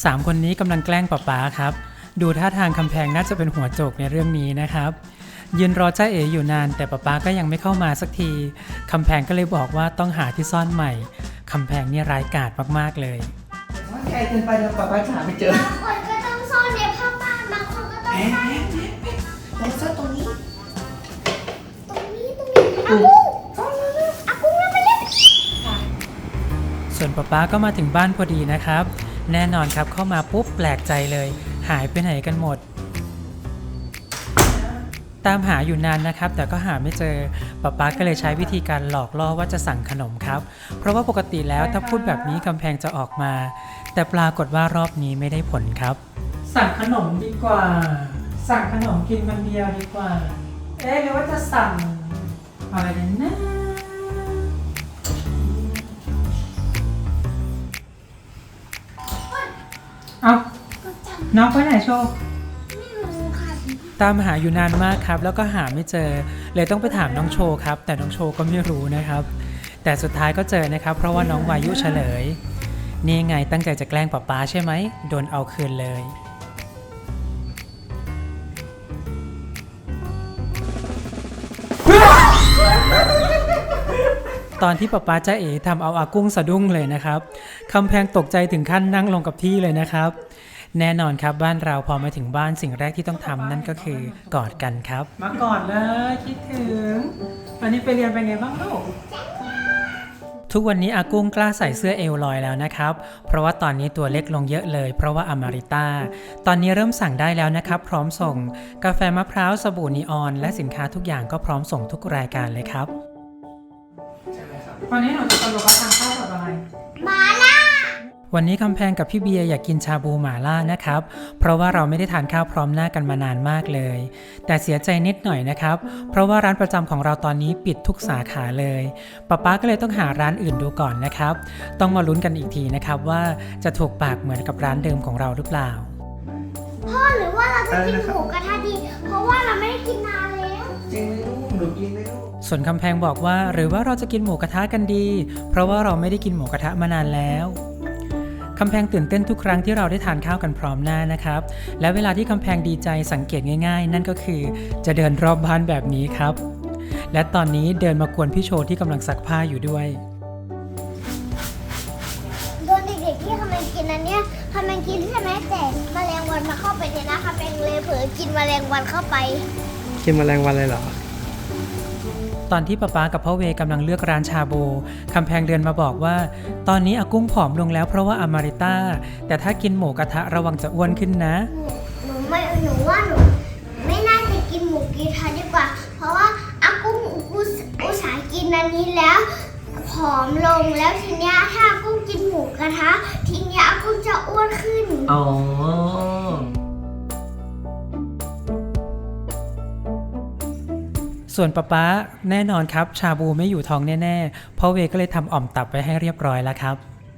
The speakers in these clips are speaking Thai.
3 คนนี้กำลังแกล้งป๊าครับดูท่าทางคำแพงน่าจะเป็นหัวโจกในเรื่องนี้นะครับยืนรอจ้าเอ๋อยู่นานแต่ป๊าก็ยังไม่เข้ามาสักทีคำแพงก็เลยบอกว่าต้องหาที่ซ่อนใหม่คำแพงนี่ร้ายกาจมากๆเลยว่าไกลเกินไปแล้วป๊าหาไม่เจอบางคนก็ต้องซ่อนในผ้าม่านบางคนก็ต้องซ่อนเราซ่อนตรงนี้อากุ้งมาเล่นส่วนป๊าก็มาถึงบ้านพอดีนะครับแน่นอนครับเข้ามาปุ๊บแปลกใจเลยหายไปไหนกันหมดตามหาอยู่นานนะครับแต่ก็หาไม่เจอป๊าก็เลยใช้วิธีการหลอกล่อว่าจะสั่งขนมครับเพราะว่าปกติแล้วถ้าพูดแบบนี้กำแพงจะออกมาแต่ปรากฏว่ารอบนี้ไม่ได้ผลครับสั่งขนมดีกว่าสั่งขนมกินคนเดียวดีกว่าหรือว่าจะสั่งอะไรกันนะเอาน้องไปไหนโชว์ตามหาอยู่นานมากครับแล้วก็หาไม่เจอเลยต้องไปถามน้องโชว์ครับแต่น้องโชว์ก็ไม่รู้นะครับแต่สุดท้ายก็เจอนะครับเพราะว่าน้องวายุเฉลยนี่ไงตั้งใจจะแกล้งป๊าใช่ไหมโดนเอาคืนเลยตอนที่ป๊าจ้าเอ๋ทำเอาอากุ้งสะดุ้งเลยนะครับคำแพงตกใจถึงขั้นนั่งลงกับที่เลยนะครับแน่นอนครับบ้านเราพอมาถึงบ้านสิ่งแรกที่ต้องทำนั่นก็คือกอดกันครับมากอดเลยคิดถึงวันนี้ไปเรียนเป็นไงบ้างลูกทุกวันนี้อากุ้งกล้าใส่เสื้อเอวลอยแล้วนะครับเพราะว่าตอนนี้ตัวเล็กลงเยอะเลยเพราะว่าอมาริต้าตอนนี้เริ่มสั่งได้แล้วนะครับพร้อมส่งกาแฟมะพร้าวสบู่นีออนและสินค้าทุกอย่างก็พร้อมส่งทุกรายการเลยครับวันนี้หนูจะสรุปว่าทานข้าวกับอะไรมาล่าวันนี้คำแพงกับพี่เบียร์อยากกินชาบูหม่าล่านะครับเพราะว่าเราไม่ได้ทานข้าวพร้อมหน้ากันมานานมากเลยแต่เสียใจนิดหน่อยนะครับเพราะว่าร้านประจำของเราตอนนี้ปิดทุกสาขาเลยป๊าก็เลยต้องหาร้านอื่นดูก่อนนะครับต้องมาลุ้นกันอีกทีนะครับว่าจะถูกปากเหมือนกับร้านเดิมของเราหรือเปล่าพ่อหรือว่าเราจะกินหมูกระทะดีเพราะว่าเราไม่ได้กินนานแล้วจริงไหมลูกหนูกินไหมลูกส่วนคำแพงบอกว่าหรือว่าเราจะกินหมูกระทะกันดีเพราะว่าเราไม่ได้กินหมูกระทะมานานแล้วคำแพงตื่นเต้นทุกครั้งที่เราได้ทานข้าวกันพร้อมหน้านะครับและเวลาที่คำแพงดีใจสังเกตง่ายๆนั่นก็คือจะเดินรอบบ้านแบบนี้ครับและตอนนี้เดินมากวนพี่โชว์ที่กำลังซักผ้าอยู่ด้วยโดนเด็กๆที่คำแพงกินอันเนี้ยคำแพงกินใช่ไหมแต่แมลงวันมาเข้าไปเนี่ยนะคำแพงเลยเผลอกินแมลงวันเข้าไปกินแมลงวันเลยเหรอตอนที่ป๊ากับพ่อเวกำลังเลือกร้านชาบูคำแพงเดินมาบอกว่าตอนนี้อากุ้งผอมลงแล้วเพราะว่าอมาริต้าแต่ถ้ากินหมูกระทะระวังจะอ้วนขึ้นนะหนูไม่น่าจะกินหมูกระทะดีกว่าเพราะว่าอากุ้งอุตส่าห์กินอันนี้แล้วผอมลงแล้วทีเนี้ยถ้าอากุ้งกินหมูกระทะทีเนี้ยอากุ้งจะอ้วนขึ้นอ๋อส่วนป๊าแน่นอนครับชาบูไม่อยู่ท้องแน่ๆพ่อเวก็เลยทำอ่อมตับไว้ให้เรียบร้อยแล้วครับ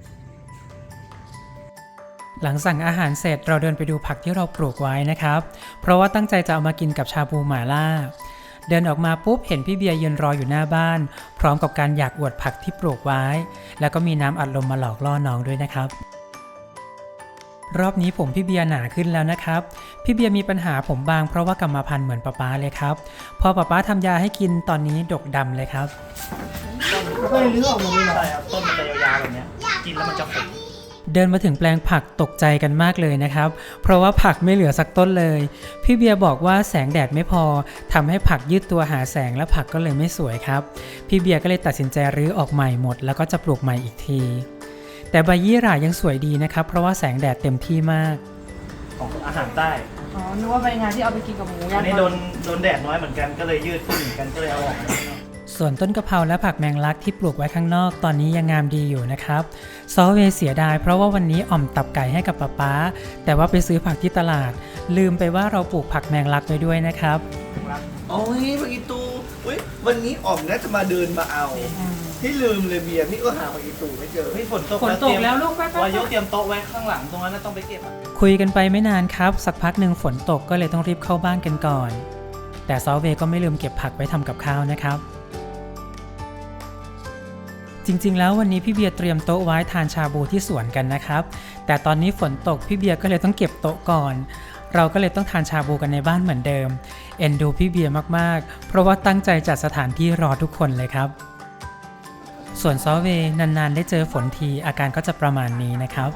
หลังสั่งอาหารเสร็จเราเดินไปดูผักที่เราปลูกไว้นะครับเพราะว่าตั้งใจจะเอามากินกับชาบูหม่าล่าเดินออกมาปุ๊บเห็นพี่เบียร์ยืนรออยู่หน้าบ้านพร้อมกับการอยากอวดผักที่ปลูกไว้แล้วก็มีน้ำอัดลมมาหลอกล่อน้องด้วยนะครับรอบนี้ผมพี่เบียร์หนาขึ้นแล้วนะครับพี่เบียร์มีปัญหาผมบางเพราะว่ากรรมพันธุ์เหมือนป๊าเลยครับพอป๊าทำยาให้กินตอนนี้ดกดำเลยครับก็เลยเลือกออกมาเลยใช่ครับต้นมันจะยาวๆแบบนี้กินแล้วมันจะขมเดินมาถึงแปลงผักตกใจกันมากเลยนะครับเพราะว่าผักไม่เหลือสักต้นเลยพี่เบียร์บอกว่าแสงแดดไม่พอทำให้ผักยืดตัวหาแสงและผักก็เลยไม่สวยครับพี่เบียร์ก็เลยตัดสินใจรื้อออกใหม่หมดแล้วก็จะปลูกใหม่อีกทีแต่ใบยี่หร่ายังสวยดีนะครับเพราะว่าแสงแดดเต็มที่มากของอาหารใต้อ๋อนึกว่าใบงานที่เอาไปกินกับหมูย่างอันนี้โดนแดดน้อยเหมือนกันก็เลยยืดขึ้นเหมือนกันก็เลยเอาออกส่วนต้นกะเพราและผักแมงลักที่ปลูกไว้ข้างนอกตอนนี้ยังงามดีอยู่นะครับซอเวเสียดายเพราะว่าวันนี้อ่อมตับไก่ให้กับป๊าแต่ว่าไปซื้อผักที่ตลาดลืมไปว่าเราปลูกผักแมงลักไว้ด้วยนะครับโอ้ยผักอีตูวันนี้อ่อมน่าจะมาเดินมาเอาที่ลืมเลยเบียร์พี่ก็หาผักอีตูไม่เจอฝนตกแล้วลูกไปวายุเตรียมโต๊ะไว้ข้างหลังตรงนั้นต้องไปเก็บคุยกันไปไม่นานครับสักพักหนึ่งฝนตกก็เลยต้องรีบเข้าบ้านกันก่อนแต่ซอเวก็ไม่ลืมเก็บผักไว้ทำกับข้าวนะครับจริงๆแล้ววันนี้พี่เบียร์เตรียมโต๊ะไว้ทานชาบูที่สวนกันนะครับแต่ตอนนี้ฝนตกพี่เบียร์ก็เลยต้องเก็บโต๊ะก่อนเราก็เลยต้องทานชาบูกันในบ้านเหมือนเดิมเอ็นดูพี่เบียร์มากๆเพราะว่าตั้งใจจัดสถานที่รอทุกคนเลยครับส่วนซอเวนานๆได้เจอฝนทีอาการก็จะประมาณนี้นะครับ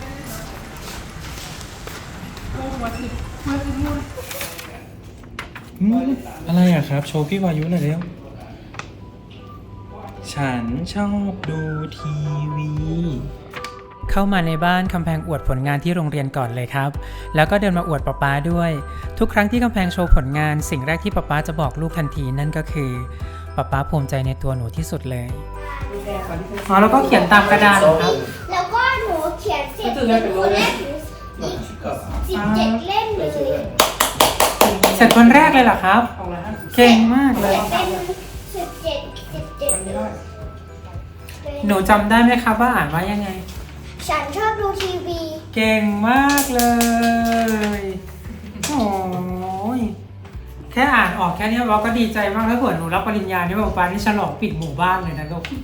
อะไรอะครับโชว์พี่วายุหน่อยเร็วฉันชอบดูทีวีเข้ามาในบ้านคำแพงอวดผลงานที่โรงเรียนก่อนเลยครับแล้วก็เดินมาอวดป๊าป๊าด้วยทุกครั้งที่คำแพงโชว์ผลงานสิ่งแรกที่ป๊าป๊าจะบอกลูกทันทีนั่นก็คือป๊าป๊าภูมิใจในตัวหนูที่สุดเลยอ๋อแล้วก็เขียนตามกระดานครับแล้วก็หนูเขียนเสร็จเป็นคนแรกถึง17 เล่มเลยเสร็จคนแรกเลยเหรอครับเก่งมากเลยเป็น17เลยหนูจำได้ไหมครับว่าอ่านว่ายังไงฉันชอบดูทีวีเก่งมากเลยโอ้ยแค่อ่านออกแค่นี้เราก็ดีใจมากแล้วเผื่อหนูรับปริญญานี่ป๊าป๊านี่ฉลองปิดหมู่บ้านเลยนะลูก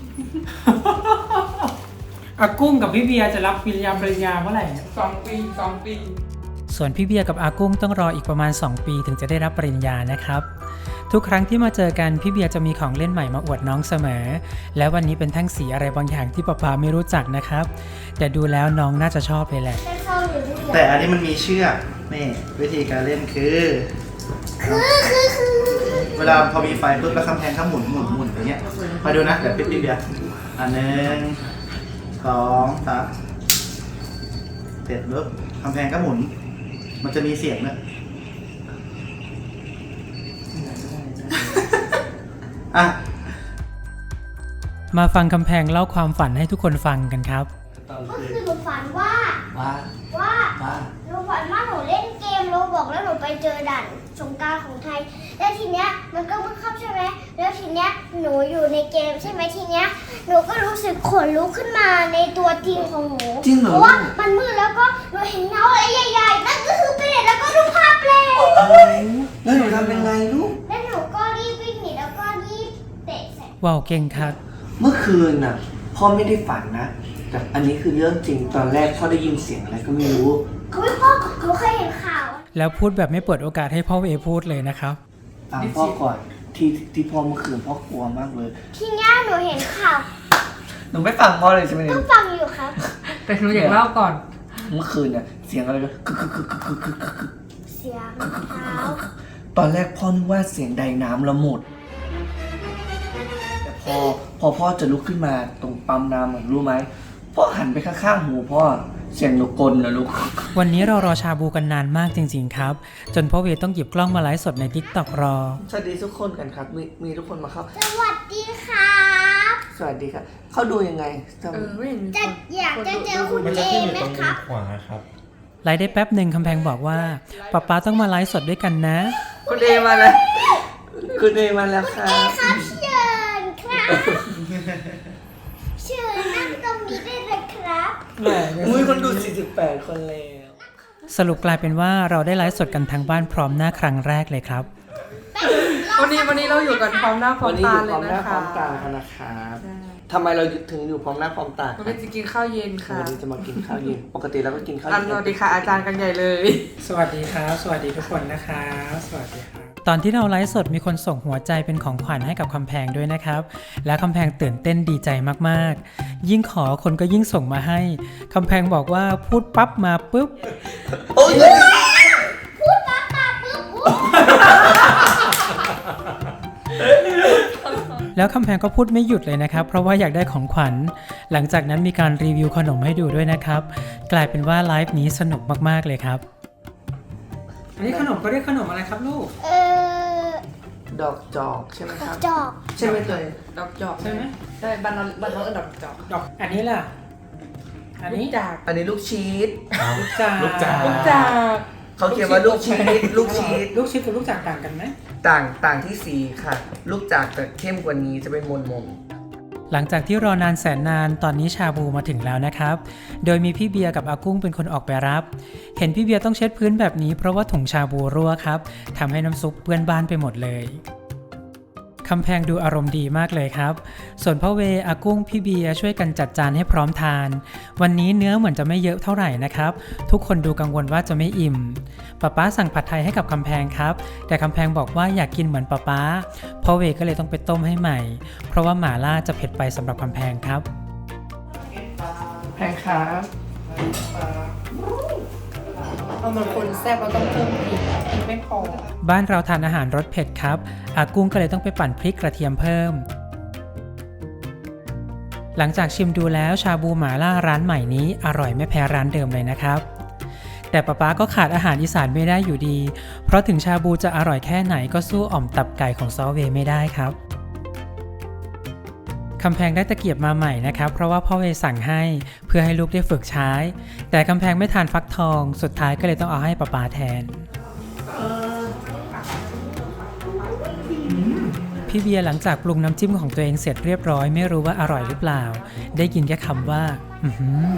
อากุ้งกับพี่เบียร์จะรับปริญญาเมื่อไหร่เนี่ย 2 ปีส่วนพี่เบียร์กับอากุ้งต้องรออีกประมาณ2 ปีถึงจะได้รับปริญญานะครับทุกครั้งที่มาเจอกันพี่เบียร์จะมีของเล่นใหม่มาอวดน้องเสมอและวันนี้เป็นแท่งสีอะไรบางอย่างที่ป๊าไม่รู้จักนะครับแต่ดูแล้วน้องน่าจะชอบเลยแหละแต่อันนี้มันมีเชือกนี่วิธีการเล่นคือเวลาพอมีไฟปุ๊บแล้วคำแพงเขาหมุนอย่างเงี้ยมาดูนะเดี๋ยวปิ๊บเบียร์อัน1 2 3เสร็จปุ๊บคำแพงก็หมุนมันจะมีเสียงด้วยอ่ะมาฟังคำแพงเล่าความฝันให้ทุกคนฟังกันครับก็คือหนูฝันว่าหนูฝันว่าหนูเล่นเกมโรบอกแล้วหนูไปเจอด่านสงกรานต์ของไทยแล้วทีเนี้ยมันก็บังคับใช่ไหมแล้วทีเนี้ยหนูอยู่ในเกมใช่ไหมทีเนี้ยหนูก็รู้สึกขนลุกขึ้นมาในตัวจริงของหนูเพราะว่ามันมืดแล้วก็หนูเห็นเงาอะไรใหญ่ๆนั่นก็คือเปรตแล้วก็รูปภาพเปรตแล้วหนูทำยังไงลูกแล้วหนูก็รีบวิ่งหนีแล้วก็รีบเตะใส่ว้าวเก่งครับเมื่อคืนน่ะพ่อไม่ได้ฝันนะแต่อันนี้คือเรื่องจริงตอนแรกพ่อได้ยินเสียงอะไรก็ไม่รู้เขาไม่พ่อเขาเคยเห็นข่าวแล้วพูดแบบไม่เปิดโอกาสให้พ่อเอพูดเลยนะครับฟังพ่อก่อนที่พ่อเมื่อคืนพ่อกลัวมากเลยทีเนี้ยหนูเห็นข่าวหนูไม่ฟังพ่อเลยใช่ไหมต้องฟังอยู่ครับแต่หนูอยากเล่าก่อนเมื่อคืนน่ะเสียงอะไรก็เสียงเท้าตอนแรกพ่อนึกว่าเสียงใดน้ำละหมดแต่พอพ่อจะลุกขึ้นมาตรงปั๊มน้ำรู้ไหมพ่อหันไปข้างๆหูพ่อเสียงหนูกลนะลูกวันนี้เรารอชาบูกันนานมากจริงๆครับจนพ่อเวต้องหยิบกล้องมาไลฟ์สดใน TikTok รอสวัสดีทุกคนกันครับมีทุกคนมาเข้าสวัสดีครับสวัสดีครับเขาดูยังไงจำไม่เห็นมีจะอยากจะเจอคุณเอไหมครับไลฟ์ได้แป๊บหนึ่งคำแพงบอกว่าป๊าต้องมาไลฟ์สดด้วยกันนะคุณเอมาแล้วคุณเอมาแล้วครับครับเชิญครับเชิญนั่งตรงนี้ได้เลยครับอุ้ยคนดู48คนแล้วสรุปกลายเป็นว่าเราได้ไลฟ์สดกันทางบ้านพร้อมหน้าครั้งแรกเลยครับวันนี้เราอยู่กันพร้อมหน้าพร้อวัมนนี้ตาอยู่เลพร้อย มหน้านะพร้คะอมตากันนะครับทำไมเราถึงอยู่พร้อมหน้าพร้อมตาวันนี้จะกินข้าวเย็นค่ะวันนี้จะมากินข้าวเย็นปกติเราก็กินข้าวสเย็นวัสดีค่ะอาจารย์กันใหญ่เลยสวัสดีครับ สวัสดีทุกคนนะครับสวัสดีครับตอนที่เราไลฟ์สดมีคนส่งหัวใจเป็นของขวัญให้กับคำแพงด้วยนะครับและคำแพงตื่นเต้นดีใจมากๆยิ่งขอคนก็ยิ่งส่งมาให้คำแพงบอกว่าพูดปั๊บมาปุ๊บโอ้ยพูดมาปุ๊บแล้วคำแพงก็พูดไม่หยุดเลยนะครับเพราะว่าอยากได้ของขวัญหลังจากนั้นมีการรีวิวขนมให้ดูด้วยนะครับกลายเป็นว่าไลฟ์นี้สนุกมากๆเลยครับอันนี้ขนมก็เรียกขนมอะไรครับลูกดอกจอกใช่ไหมครับจอกใช่ไหมเลยดอกจอกใช่ไหมได้บ้านเราเอิ้นดอกจอกดอกอันนี้ล่ะอันนี้จากอันนี้ลูกชีสลูกจากจากเขาเขียนว่าลูกชีสลูกชีสลูกชิดกับลูกจากต่างกันไหมต่างที่สีค่ะ ลูกจากจะเข้มกว่านี้จะเป็นมนหลังจากที่รอนานแสนนานตอนนี้ชาบูมาถึงแล้วนะครับโดยมีพี่เบียร์กับอากุ้งเป็นคนออกไปรับเห็นพี่เบียร์ต้องเช็ดพื้นแบบนี้เพราะว่าถุงชาบูรั่วครับทำให้น้ำซุปเปื้อนบ้านไปหมดเลยคำแพงดูอารมณ์ดีมากเลยครับ ส่วนพ่อเวอากุ้งพี่เบียร์ช่วยกันจัดจานให้พร้อมทาน วันนี้เนื้อเหมือนจะไม่เยอะเท่าไหร่นะครับ ทุกคนดูกังวลว่าจะไม่อิ่มป๊าสั่งผัดไทยให้กับคำแพงครับ แต่คำแพงบอกว่าอยากกินเหมือนป๊าพ่อเวก็เลยต้องไปต้มให้ใหม่ เพราะว่าหม่าล่าจะเผ็ดไปสำหรับคำแพงครับแพงครับเอามันคนแซ่บเราต้องเพิ่มพริกไม่พอบ้านเราทานอาหารรสเผ็ดครับอากุ้งก็เลยต้องไปปั่นพริกกระเทียมเพิ่ม หลังจากชิมดูแล้วชาบูหม่าล่าร้านใหม่นี้อร่อยไม่แพ้ร้านเดิมเลยนะครับ แต่ป๊าก็ขาดอาหารอีสานไม่ได้อยู่ดี เพราะถึงชาบูจะอร่อยแค่ไหนก็สู้อ่อมตับไก่ของซอเวไม่ได้ครับคำแพงได้ตะเกียบมาใหม่นะครับเพราะว่าพ่อเวสั่งให้เพื่อให้ลูกได้ฝึกใช้ แต่คำแพงไม่ทานฟักทองสุดท้ายก็เลยต้องเอาให้ป๊าแทน พี่เบียร์หลังจากปรุงน้ำจิ้มของตัวเองเสร็จเรียบร้อยไม่รู้ว่าอร่อยหรือเปล่าได้ยินแค่คำว่าอื้อหือ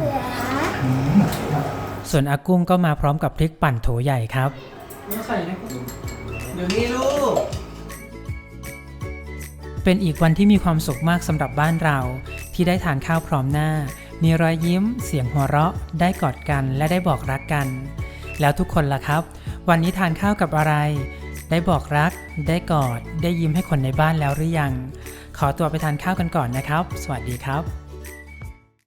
ส่วนอากุ้งก็มาพร้อมกับพริกปั่นโถใหญ่ครับเดี๋ยวนี้ลูกเป็นอีกวันที่มีความสุขมากสำหรับบ้านเราที่ได้ทานข้าวพร้อมหน้า มีรอยยิ้มเสียงหัวเราะได้กอดกันและได้บอกรักกัน แล้วทุกคนล่ะครับ วันนี้ทานข้าวกับอะไร ได้บอกรัก ได้กอด ได้ยิ้มให้คนในบ้านแล้วหรือยัง ขอตัวไปทานข้าวกันก่อนนะครับ สวัสดีครับ